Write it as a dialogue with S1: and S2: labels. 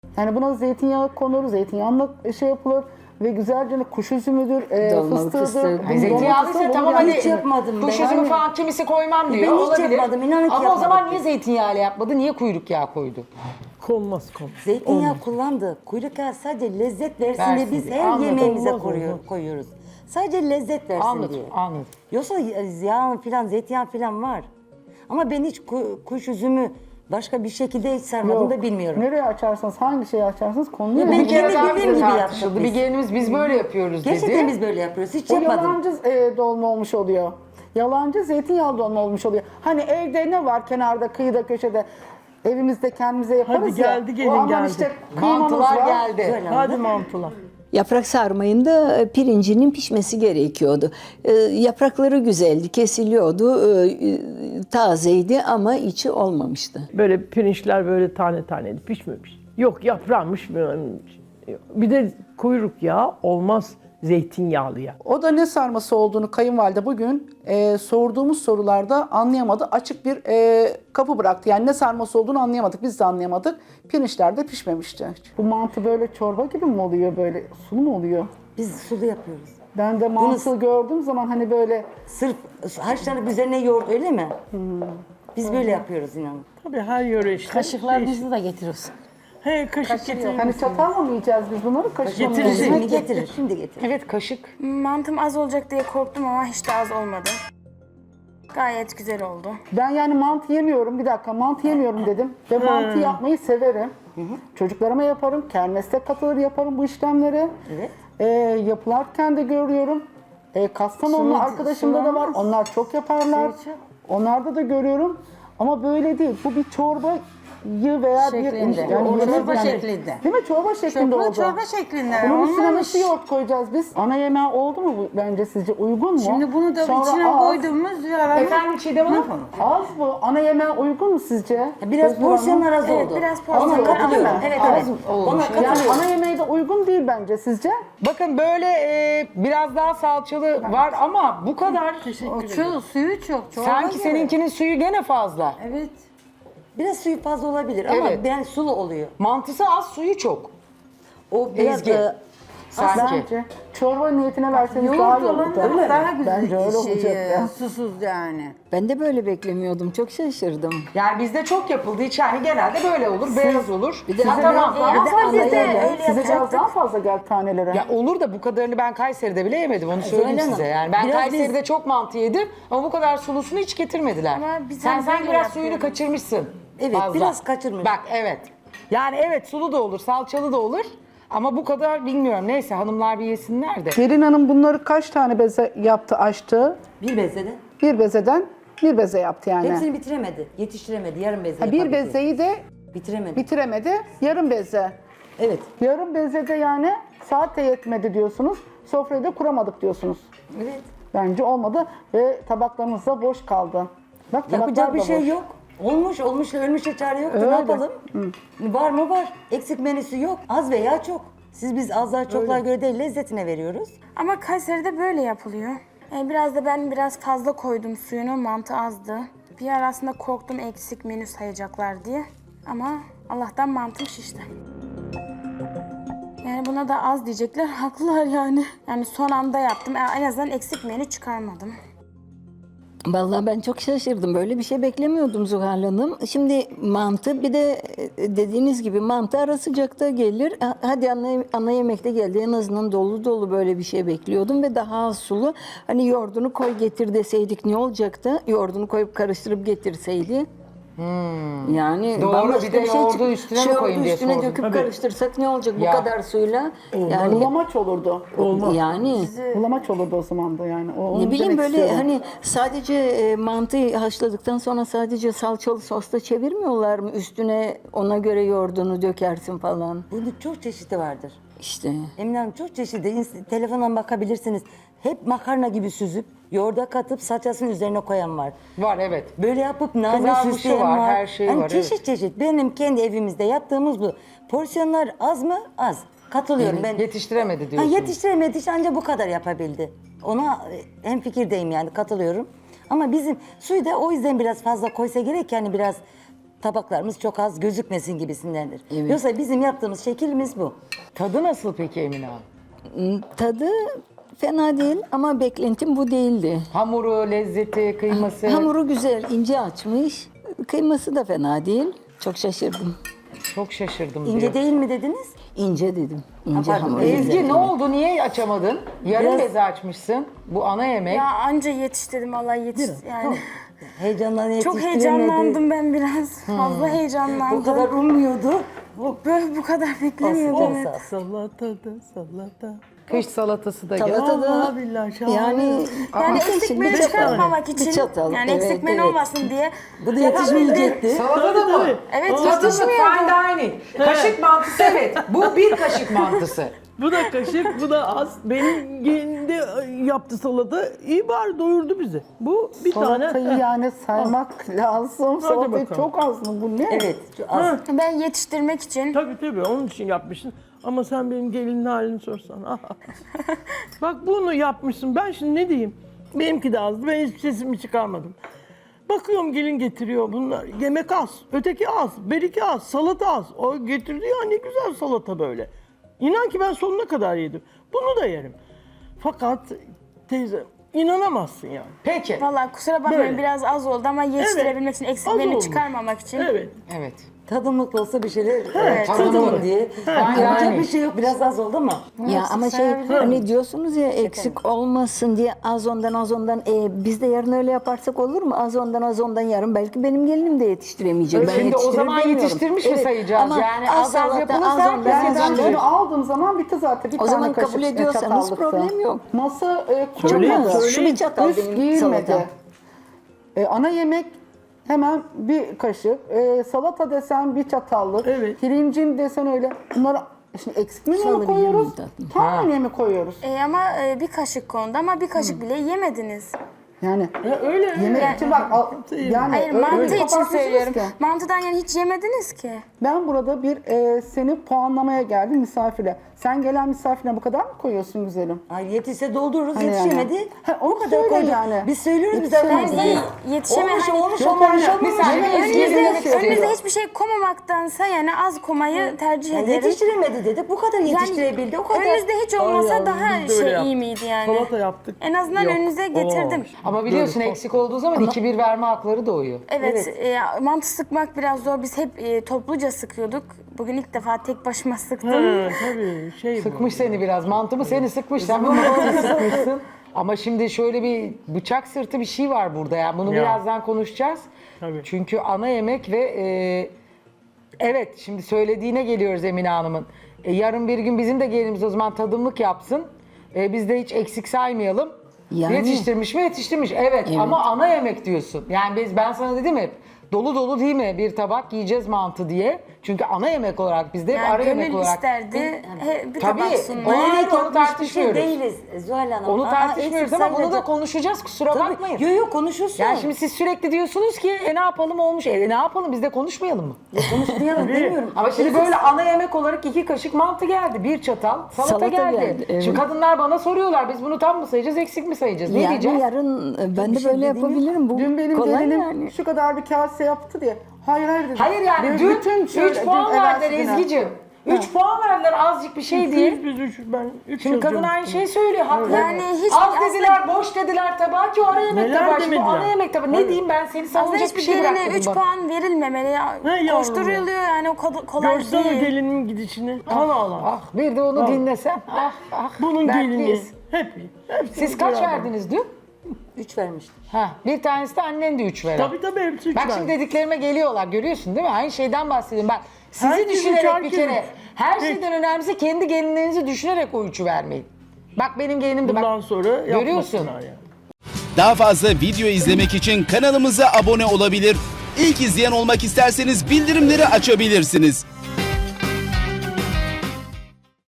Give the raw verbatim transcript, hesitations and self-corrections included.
S1: Yani buna zeytinyağı konur, zeytinyağıyla şey yapılır ve güzelce kuş üzümüdür, e,
S2: Dolmalık
S1: fıstığıdır.
S2: fıstığı.
S1: Bunun
S3: Zeytinyağlıysa
S1: dolması
S3: tamam
S1: olur yani.
S3: hadi
S4: hiç yapmadım
S3: kuş
S4: ben.
S3: üzümü
S4: Yani-
S3: falan kimisi koymam diyor.
S4: Ben hiç
S3: olabilir.
S4: yapmadım, inan ki
S3: Ama o
S4: yapmadım.
S3: zaman niye zeytinyağıyla yapmadı? Niye kuyruk yağı koydu?
S5: Konmaz konmaz.
S4: Zeytinyağı kullandı. Kuyruk yağı sadece lezzet versin,
S3: Versin
S4: diye biz
S3: diye.
S4: her
S3: Anladım.
S4: yemeğimize
S5: Olmaz,
S4: koyuyor-
S5: olmaz.
S4: koyuyoruz. Sadece lezzet versin
S3: Anladım,
S4: diye.
S3: anladım.
S4: Yoksa yağ falan, zeytinyağı falan var. Ama ben hiç ku- kuş üzümü başka bir şekilde hiç sarmadım da bilmiyorum.
S1: Nereye açarsanız, hangi şeyi açarsanız konuluyor.
S4: Ya ben
S3: Bir kere
S4: kendi
S3: daha
S4: bildiğim
S3: bize
S4: gibi
S3: tartışıldı.
S4: yaptık
S3: Bir
S4: biz.
S3: gelinimiz biz böyle yapıyoruz dedi.
S4: Gerçekten biz böyle yapıyoruz. Hiç
S1: O
S4: yapmadım.
S1: yalancı e, dolma olmuş oluyor. Yalancı zeytinyağlı dolma olmuş oluyor. Hani evde ne var kenarda, kıyıda, köşede evimizde kendimize yaparız
S5: Hadi
S1: ya.
S5: geldi, gelin
S1: o aman
S5: geldi.
S1: işte kıymamız
S3: Mantılar
S1: var.
S3: geldi.
S4: Böyle
S5: Hadi
S4: oldu.
S5: mantılar.
S2: Yaprak sarmayında e, pirincinin pişmesi gerekiyordu. E, yaprakları güzeldi, kesiliyordu, e, e, tazeydi ama içi olmamıştı.
S5: Böyle pirinçler böyle tane taneydi, pişmemiş. Yok yaprağmış. Bir de kuyruk yağı olmaz zeytinyağlı yağ.
S1: O da ne sarması olduğunu kayınvalide bugün e, sorduğumuz sorularda anlayamadı. Açık bir e, kapı bıraktı. Yani ne sarması olduğunu anlayamadık. Biz de anlayamadık. Pirinçler de pişmemişti. Bu mantı böyle çorba gibi mi oluyor? Böyle sulu mu oluyor?
S4: Biz sulu yapıyoruz.
S1: Ben de mantı gördüğüm zaman hani böyle
S4: Sırf haşlanıp üzerine yoğurt öyle mi? Biz böyle yapıyoruz inanın.
S5: Tabii her yöre işte.
S6: Kaşıklarınızı da getiriyorsun.
S5: He kaşık getirir
S1: hani
S5: misin?
S1: çatalla mı yiyeceğiz biz bunları? Kaşıkla mı
S5: Getiririz.
S1: yiyeceğiz?
S4: Şimdi getirir, şimdi getirir.
S3: Evet kaşık.
S7: Mantım az olacak diye korktum ama hiç de az olmadı. Gayet güzel oldu.
S1: Ben yani mantı yemiyorum. Bir dakika mantı yemiyorum dedim. Ve mantı yapmayı severim. Çocuklarıma yaparım. Kermeste katılır yaparım bu işlemleri.
S4: Evet.
S1: Ee, yapılarken de görüyorum. Ee, Kastamonu'lu
S4: Sulu-
S1: arkadaşımda da var.
S4: sulu
S1: Onlar çok yaparlar.
S4: Sulu-
S1: Onlarda da görüyorum. Ama böyle değil. Bu bir çorbayı veya
S6: Şeklinde.
S1: bir...
S6: O
S1: yemek
S6: çorba şeklinde.
S1: Değil mi? Çorba şeklinde
S6: Çorba,
S1: oldu.
S6: çorba şeklinde.
S1: Bunun üstüne
S6: Olmamış.
S1: nasıl yoğurt koyacağız biz? Ana yemeği oldu mu bu bence sizce? Uygun mu?
S6: Şimdi bunu da
S1: Sonra
S6: içine
S1: az.
S6: koyduğumuz yaramaz.
S3: Efendim Çiğdem Hanım?
S1: Az bu. Ana yemeğe uygun mu sizce?
S4: Biraz
S1: Özgür Hanım?
S4: porsiyonlar az
S7: Evet,
S4: oldu.
S7: biraz porsiyon
S4: Ona
S7: az.
S4: katılıyorum.
S1: Değil mi?
S4: Evet,
S1: Az
S4: evet. Ona
S1: Yani
S4: katılıyorum.
S1: ana yemeğe de uygun değil bence sizce?
S3: Bakın böyle e, biraz daha salçalı var ama bu kadar.
S6: O çok, suyu çok. Çorba
S3: Sanki
S6: gibi.
S3: seninkinin suyu gene fazla.
S6: Evet.
S4: Biraz suyu fazla olabilir ama
S3: Evet.
S4: yani sulu oluyor.
S3: Mantısı az, suyu çok.
S4: O biraz
S3: Ezgi.
S4: da
S3: Sanki.
S1: Bence çorba niyetine verseniz daha iyi
S6: Yoğurt
S1: olurdu.
S6: olan daha güzel.
S1: Bence öyle
S6: şey,
S1: olacak ya.
S6: Susuz yani.
S2: Ben de böyle beklemiyordum, çok şaşırdım.
S3: Yani bizde çok yapıldı. Hiç yani genelde böyle olur, beyaz olur.
S2: Bir de
S3: Ha,
S2: sizin
S3: tamam.
S2: de-
S3: Ama-
S4: ama
S1: Ama
S4: bizde
S1: bizde
S4: öyle
S1: size biraz
S4: yapacaktık.
S1: daha fazla geldi tanelere.
S3: Ya olur da bu kadarını ben Kayseri'de bile yemedim. Onu söyleyeyim
S4: Hanım,
S3: size. Yani ben
S4: biraz
S3: Kayseri'de
S4: biz-
S3: çok mantı yedim ama bu kadar sulusunu hiç getirmediler.
S7: Ama biz
S3: Sen
S7: hani
S3: sanki
S7: böyle
S3: biraz
S7: yapıyoruz.
S3: suyunu kaçırmışsın.
S4: Evet,
S3: fazla.
S4: biraz kaçırmış.
S3: Bak evet. Yani evet sulu da olur, salçalı da olur. Ama bu kadar bilmiyorum. Neyse hanımlar bir yesinler de.
S1: Gelin Hanım bunları kaç tane beze yaptı, açtı?
S4: bir bezede.
S1: Bir bezeden bir beze yaptı yani.
S4: Hepsini bitiremedi. Yetiştiremedi. Yarım beze
S1: Ha, bir
S4: yapabildi.
S1: bezeyi de
S4: Bitiremedi.
S1: bitiremedi, yarım beze.
S4: Evet.
S1: Yarım bezede yani saat de yetmedi diyorsunuz. Sofrayı da kuramadık diyorsunuz.
S4: Evet.
S1: Bence olmadı ve tabaklarımız da boş kaldı. Bak tabaklar
S4: Yapacak bir
S1: da
S4: şey
S1: boş.
S4: yok. Olmuş, olmuşla ölmüşle çare yoktu.
S1: Öyle.
S4: Ne yapalım? Var mı var. Eksik menüsü yok. Az veya çok. Siz biz azlar çoklar göre değil lezzetine veriyoruz.
S7: Ama Kayseri'de böyle yapılıyor. Ee, biraz da ben biraz fazla koydum suyunu, mantı azdı. Bir ara aslında korktum eksik menü sayacaklar diye. Ama Allah'tan mantım şişti. Yani buna da az diyecekler, haklılar yani. Yani son anda yaptım, en azından eksik menü çıkarmadım.
S2: Vallahi ben çok şaşırdım. Böyle bir şey beklemiyordum Zuhal Hanım. Şimdi mantı bir de e, dediğiniz gibi mantı ara sıcakta gelir. Ha- Hadi ana, ana yemekte geldi. En azından dolu dolu böyle bir şey bekliyordum ve daha az sulu. Hani yoğurdunu koy getir deseydik ne olacaktı? Yoğurdunu koyup karıştırıp getirseydi. Yani
S3: Doğru,
S2: bambaşka
S3: bir de yoğurdu
S2: çık-
S3: üstüne mi
S2: yoğurdu
S3: koyayım diye
S2: üstüne
S3: sordum.
S2: döküp
S5: Tabii.
S2: karıştırsak ne olacak
S3: Ya.
S2: bu kadar suyla? Yani
S1: Bulamaç olurdu.
S2: yani
S1: Bulamaç olurdu o zaman da yani. O, onu
S2: ne bileyim
S1: demek
S2: böyle
S1: istiyorum.
S2: hani sadece e, mantıyı haşladıktan sonra sadece salçalı sosla çevirmiyorlar mı? Üstüne ona göre yoğurdunu dökersin falan.
S4: Bunun çok çeşidi vardır.
S2: İşte.
S4: Emine Hanım çok çeşitli. İns- Telefondan bakabilirsiniz. Hep makarna gibi süzüp yoğurda katıp salçasının üzerine koyan var.
S3: Var evet.
S4: Böyle yapıp nane
S3: Kızarmışı
S4: süsleyen
S3: var,
S4: var.
S3: her şey
S4: Hani
S3: var,
S4: çeşit çeşit. Benim kendi evimizde yaptığımız bu. Porsiyonlar az mı? Az. Katılıyorum ben.
S3: Yetiştiremedi
S4: Ha,
S3: diyorsun.
S4: yetiştiremedi işte ancak bu kadar yapabildi. Ona e, hemfikirdeyim yani katılıyorum. Ama bizim suyu da o yüzden biraz fazla koysa gerek yani biraz tabaklarımız çok az gözükmesin gibisindendir.
S2: Evet.
S4: Yoksa bizim yaptığımız şeklimiz bu.
S3: Tadı nasıl peki Emine Hanım?
S2: Tadı fena değil ama beklentim bu değildi.
S3: Hamuru, lezzeti, kıyması.
S2: Hamuru güzel, ince açmış. Kıyması da fena değil. Çok şaşırdım.
S3: Çok şaşırdım
S4: İnce
S3: diyor.
S4: değil mi dediniz?
S2: İnce dedim. İnce
S4: pardon,
S2: hamur.
S3: Ezgi
S2: güzel.
S3: ne oldu? Niye açamadın? Yarım
S4: Biraz-
S3: beze açmışsın. Bu ana yemek.
S7: Ya anca yetiştirdim Allah yetiş yani.
S4: Heyecandan
S7: Çok
S4: yetiştiremedi.
S7: heyecanlandım ben biraz. Fazla heyecanlandım.
S4: Bu kadar ummuyordu.
S7: Bu böyle bu kadar beklemiyordum.
S4: Olsun,
S7: evet.
S4: olsun.
S5: Salatada salata.
S3: Kış salatası da gel.
S2: Salata da
S5: Vallahi billahi şahane.
S2: yani
S7: Yani
S2: bir
S7: eksik
S2: kaşık,
S7: menü
S2: bir çatal.
S7: çıkartmamak
S2: Bir
S7: için
S2: çatal,
S7: yani
S2: evet,
S7: eksik menü
S2: evet.
S7: olmasın diye
S4: Bu da yetişmeyecekti.
S3: Salata da mı?
S7: evet
S3: Tadımlık
S7: yetişmiyordu.
S3: fine dining. Kaşık mantısı evet. Bu bir kaşık mantısı.
S5: Bu da kaşık, bu da az. Benim gelinde yaptı salata. İyi bari doyurdu bizi. Bu bir
S1: Salatayı
S5: tane.
S1: yani saymak lazım. Salatayı
S5: bakalım.
S1: çok az mı? Bu ne?
S4: Evet, şu az.
S7: Ben yetiştirmek için
S5: Tabii tabii onun için yapmışsın. Ama sen benim gelinin halini sorsan. Bak bunu yapmışsın. Ben şimdi ne diyeyim? Benimki de azdı. Ben hiçbir sesimi çıkarmadım. Bakıyorum gelin getiriyor bunlar. Yemek az, öteki az, beriki az, salata az. O getirdi ya ne güzel salata böyle. İnan ki ben sonuna kadar yedim. Bunu da yerim. Fakat teyze inanamazsın yani.
S3: Peki.
S7: vallahi kusura bakmayın
S5: Böyle.
S7: biraz az oldu ama yetiştirebilmek için eksik
S5: Az
S7: menü
S5: olmuş.
S7: çıkarmamak için.
S5: Evet.
S3: Evet.
S4: Tadımlık olsa bir şeyler
S7: Evet,
S4: tadımlık
S3: tadımlık.
S4: diye.
S3: Yani.
S4: Yapacak bir şey yok. Biraz az oldu ama.
S2: Ya ama şey
S7: sayabilirim.
S2: hani diyorsunuz ya eksik olmasın diye az ondan az ondan e, biz de yarın öyle yaparsak olur mu? Az ondan az ondan yarın belki benim gelinim de yetiştiremeyecek. Ben
S3: Şimdi o
S2: yetiştirir
S3: zaman
S2: demiyorum.
S3: yetiştirmiş mi
S2: Evet,
S3: sayacağız?
S2: ama
S3: Yani az az
S2: salata,
S3: yapılırsa
S2: az
S3: herkes
S2: ondan, az
S1: Ben
S3: yetiştirir.
S2: ondan.
S1: bunu aldığım zaman bitti zaten. Bir
S2: O
S1: tane
S2: zaman
S1: kaşık
S2: kabul
S1: e,
S2: ediyorsanız
S1: çatallıktı.
S2: problem yok.
S1: Masa e,
S5: Söyleyin,
S1: kurulmadı.
S2: Şu bir çatal
S1: Üst
S2: benim
S1: giyilmedi.
S2: salatam.
S1: E, ana yemek hemen bir kaşık. E, salata desen bir çatallık.
S5: Evet.
S1: Pirincin desen öyle. Bunları şimdi eksik menüye mi
S2: Salabilir
S1: koyuyoruz?
S2: miyim tatlım?
S1: Tam menüye mi koyuyoruz?
S7: E, ama e, bir kaşık kondu ama bir kaşık bile yemediniz.
S1: Yani
S5: Ya öyle.
S1: yemek için bak al- yani
S7: Hayır
S1: öyle
S7: mantı için
S1: kapatmışsınız
S7: söylüyorum.
S1: ki.
S7: Mantıdan yani hiç yemediniz ki.
S1: Ben burada bir e, seni puanlamaya geldim misafire. Sen gelen misafirine bu kadar mı koyuyorsun güzelim?
S4: Ay yetişse doldururuz,
S1: Hani
S4: yetişemedi.
S1: yani. Ha, onu
S4: o kadar
S1: söyle
S4: koyduk.
S1: yani.
S4: Biz söylüyoruz biz
S1: Yetişemedi.
S4: zaten.
S7: Yani yetişeme
S4: Olmuş,
S7: hani-
S4: olmuş,
S1: Yok
S4: olmamış,
S1: yani,
S4: olmamış.
S3: misal-
S4: Yani
S3: Ezgi
S7: Önünüzde,
S3: yemek istiyor.
S7: önünüzde hiçbir şey koymamaktansa yani az koymayı tercih
S4: Yani
S7: ederim.
S4: yetiştiremedi dedik. Bu kadar yetiştirebildi. O kadar.
S7: Önünüzde hiç olmasa
S5: Ay
S7: daha
S5: yavrum, biz de öyle
S7: şey iyi
S5: yaptık.
S7: miydi yani?
S5: Salata yaptık.
S7: En azından
S5: Yok,
S7: önünüze getirdim.
S5: olamamış.
S3: Ama biliyorsun eksik olduğu zaman iki bir verme hakları doğuyor.
S7: Evet, E, mantı sıkmak biraz zor. Biz hep e, topluca sıkıyorduk. Bugün ilk defa tek başıma sıktım.
S5: Ha, tabii şey bu.
S3: Sıkmış seni biraz. Mantı mı seni sıkmış. Sen bunu nasıl sıkmışsın? Ama şimdi şöyle bir bıçak sırtı bir şey var burada ya. Bunu
S5: Ya.
S3: birazdan konuşacağız.
S5: Tabii.
S3: Çünkü ana yemek ve e, evet şimdi söylediğine geliyoruz Emine Hanım'ın. E, yarın bir gün bizim de gelinimiz o zaman tadımlık yapsın. E, biz de hiç eksik saymayalım.
S2: Yani.
S3: Yetiştirmiş mi? Yetiştirmiş. Evet,
S2: Evet.
S3: ama ana yemek diyorsun. Yani biz ben sana dedim hep dolu dolu değil mi bir tabak yiyeceğiz mantı diye. Çünkü ana yemek olarak bizde hep
S7: Yani
S3: ara yemek
S7: gönül
S3: olarak.
S7: isterdi he, bir
S3: Tabii.
S7: tabak
S3: O-
S7: sunmayı.
S3: Hayır,
S4: Bilerek
S3: onu
S4: yapmış bir şey
S3: tartışmıyoruz.
S4: değiliz Zuhal Hanım.
S3: Onu
S4: Aa,
S3: tartışmıyoruz
S4: eksik
S3: ama bunu da
S4: saymadı.
S3: konuşacağız kusura
S4: Tabii.
S3: bakmayın.
S4: Yok yok konuşursun.
S3: Yani şimdi siz sürekli diyorsunuz ki e ne yapalım olmuş. E ne yapalım biz de konuşmayalım mı?
S4: Konuşmayalım demiyorum.
S3: Ama şimdi böyle ana yemek olarak iki kaşık mantı geldi. Bir çatal salata,
S2: Salata
S3: geldi.
S2: geldi, evet.
S3: Şimdi kadınlar bana soruyorlar biz bunu tam mı sayacağız eksik mi sayacağız? Ne
S2: Yani
S3: diyeceğiz?
S2: yarın e, ben de
S4: şey
S2: böyle
S4: dediğim yok.
S2: yapabilirim. Bu
S1: Dün benim
S2: kolay
S1: gelinim
S2: yani.
S1: şu kadar bir kase yaptı diye. Hayır hayır dedi.
S3: Hayır yani
S1: Benim
S3: dün
S1: bütün şöyle-
S3: üç puan
S1: dün
S3: verdiler
S1: evvelsi güne-
S3: Ezgi'cim. üç puan verdiler azıcık bir şey diye.
S5: Biz, biz üç, ben üç
S3: Şimdi kadın
S5: yazıyorum.
S3: aynı şeyi söylüyor haklı.
S7: Yani hiç-
S3: Az
S7: aslında-
S3: dediler, boş dediler tabağı ki o ara yemek
S5: Neler
S3: tabağı. Şimdi bu
S5: demediler?
S3: ana yemek tabağı. Ne
S5: Tabii.
S3: diyeyim ben seni
S7: Aslında
S3: savunacak bir
S7: hiçbir
S3: şey
S7: geline
S3: bırakmadım
S7: üç
S3: bak.
S7: puan verilmemeli. Ya.
S5: Ne yavrum
S7: Koşturuluyor yani o kadar kolay
S5: Görsene
S7: değil.
S5: gelinimin gidişini. Allah Allah.
S3: Ah bir de onu dinlesen. Ah ah.
S5: Bunun gelini.
S3: dertliyiz.
S5: Hep. hepsi
S3: Siz kaç
S5: beraber.
S3: verdiniz dün?
S4: Üç vermiştim.
S3: Ha, bir tanesi de annen de üç veren.
S5: Tabii tabii hepsi üç
S3: Bak
S5: verdi.
S3: şimdi dediklerime geliyorlar görüyorsun değil mi? Aynı şeyden bahsediyorum. Ben sizi
S5: Herkes üç,
S3: düşünerek bir
S5: herkes
S3: kere
S5: üç.
S3: her
S5: Üç.
S3: şeyden önemlisi kendi gelinlerinizi düşünerek o üçü vermeyin. Bak benim gelinim de
S5: Bundan
S3: bak.
S5: sonra
S3: Görüyorsun.
S5: yapmasınlar yani.
S8: Daha fazla video izlemek için kanalımıza abone olabilir. İlk izleyen olmak isterseniz bildirimleri açabilirsiniz.